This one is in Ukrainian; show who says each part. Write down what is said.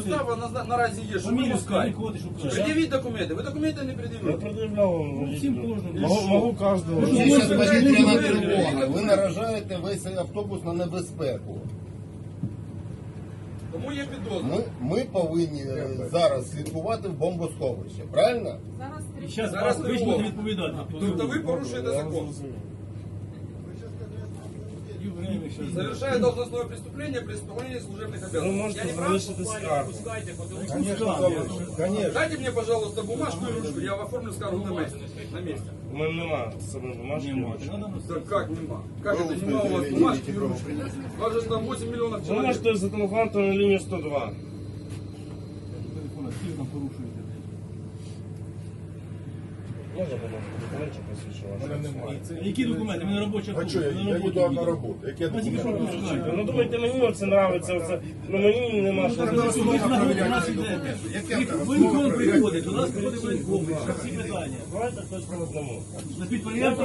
Speaker 1: підстава наразі є, що ви пускаєте. Пред'явіть документи. Ви документи не
Speaker 2: Я
Speaker 1: пред'явили.
Speaker 2: предъявлял вам.
Speaker 3: Всім кожному.
Speaker 2: Могу каждого.
Speaker 4: Є зараз повітряна тривога. Ви наражаєте весь автобус на небезпеку.
Speaker 1: Тому є підозра.
Speaker 4: Ми повинні зараз слідкувати в бомбосховище, правильно?
Speaker 1: Зараз
Speaker 3: Ви ж
Speaker 1: тривога.
Speaker 3: будете відповідати.
Speaker 1: Тобто ви порушуєте закон. Совершая должностное преступление при исполнении служебных
Speaker 2: Вы
Speaker 1: обязанностей.
Speaker 2: можете
Speaker 1: Я не прав?
Speaker 2: залишити скаргу.
Speaker 4: Конечно.
Speaker 1: Дайте мне, пожалуйста, бумажку и ручку, я оформлю скаргу на месте. На месте.
Speaker 2: У мене нема з собою бумажки.
Speaker 1: Да как нема? Как это нема у вас бумажки и ручки? У вас же там 8 миллионов
Speaker 2: Ви
Speaker 1: человек.
Speaker 2: можете зателефонувати на лінію 102. Можна бумажку? Документів посвідчувати.
Speaker 3: Які документи? Ми на робоча
Speaker 5: А що, я йду на роботу. Які документи?
Speaker 2: Ну думайте, мені оце нравиться, оце, ну мені нема що робити.
Speaker 3: Воєнком приходить, до нас приходить воєнком, всі питання.
Speaker 2: Давайте хтось по одному.
Speaker 3: На підприємство